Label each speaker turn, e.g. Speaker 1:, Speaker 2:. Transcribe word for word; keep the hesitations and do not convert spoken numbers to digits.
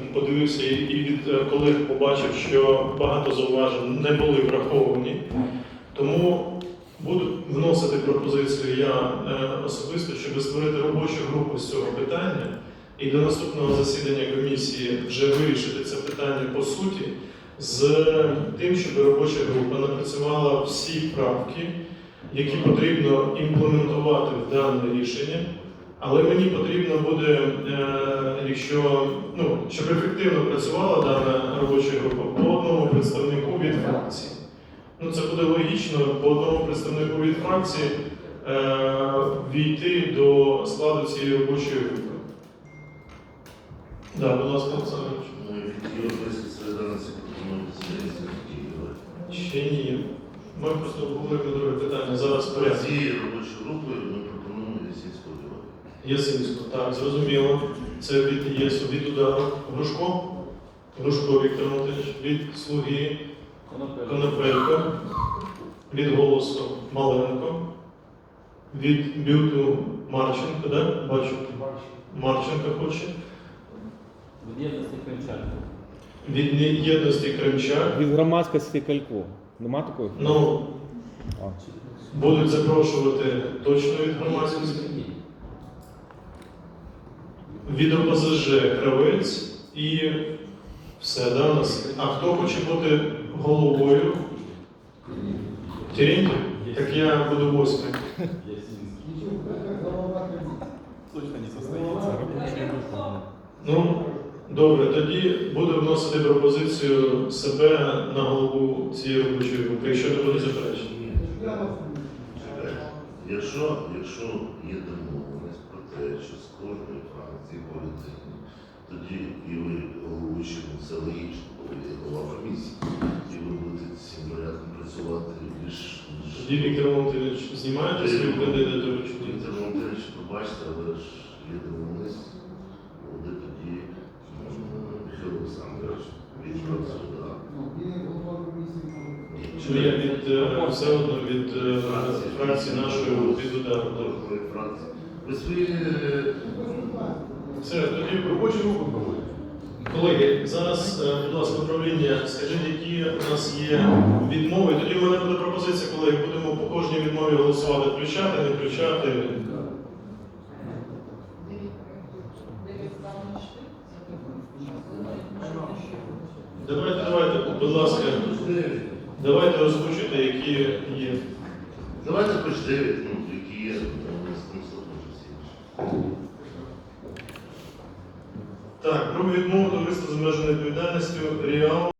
Speaker 1: подивився і від колег побачив, що багато зауважень не були враховані. Тому буду вносити пропозицію я особисто, щоб створити робочу групу з цього питання і до наступного засідання комісії вже вирішити це питання по суті, з тим, щоб робоча група напрацювала всі правки, які потрібно імплементувати в дане рішення. Але мені потрібно буде, якщо, ну, щоб ефективно працювала дана робоча група, по одному представнику від фракції. Ну, це буде логічно по одному представнику від фракції е, війти до складу цієї робочої групи. Так, будь ласка, Олександр Іванович. Ще ні. Ми просто обговоримо друге питання. Зараз порядку.
Speaker 2: Цією робочою групою ми пропонуємо Ясінську Львова.
Speaker 1: Ясинську, так, зрозуміло. Це від ЄСу, від удару. Грушко? Грушко Віктор Анатолійович. Від Слуги Конопелько. Від Голосу Маленко. Від Бюту Марченко, да? Бачу. Марченко хоче.
Speaker 3: Від єдності Кримчак.
Speaker 1: Від єдності Кримчак.
Speaker 4: Від громадськості Калько. Нема такої?
Speaker 1: Ну,
Speaker 4: А.
Speaker 1: будуть запрошувати точно від громадськості. Від ОПЗЖ Кравець і все, да, у нас. А хто хоче бути головою? Терентьєв? Так я буду восьмий. Ну, добре, тоді буду вносити пропозицію себе на голову цієї робочої групи, якщо не буде заперечень.
Speaker 2: Якщо, якщо є домовленість про те, що з кожної фракції по людині, тоді і ви головуючи, це логічно, бо ви є голова комісії, і ви будете цим порядком працювати більш...
Speaker 1: Тоді Віктор Анатолійович, знімаєте свою кандидатуру?
Speaker 2: Віктор Анатолійович, пробачте, але ж є домовленість, буде тоді Михайло Олександрович, він працює, так.
Speaker 1: Чи я від, все одно від фракції нашої від удару?
Speaker 2: Ви свої...
Speaker 1: Все, тоді робочу групу проводимо. Колеги, зараз, будь ласка, управління, скажіть, які у нас є відмови. Тоді в мене буде пропозиція, колеги, будемо по кожній відмові голосувати, включати, не включати. Давайте, давайте, будь ласка, давайте озвучуйте, які є.
Speaker 2: Давайте хоч дев'ять, ну, які є, з тим слухом.
Speaker 1: Так, про відмову товариства з обмеженою відповідальністю Ріал.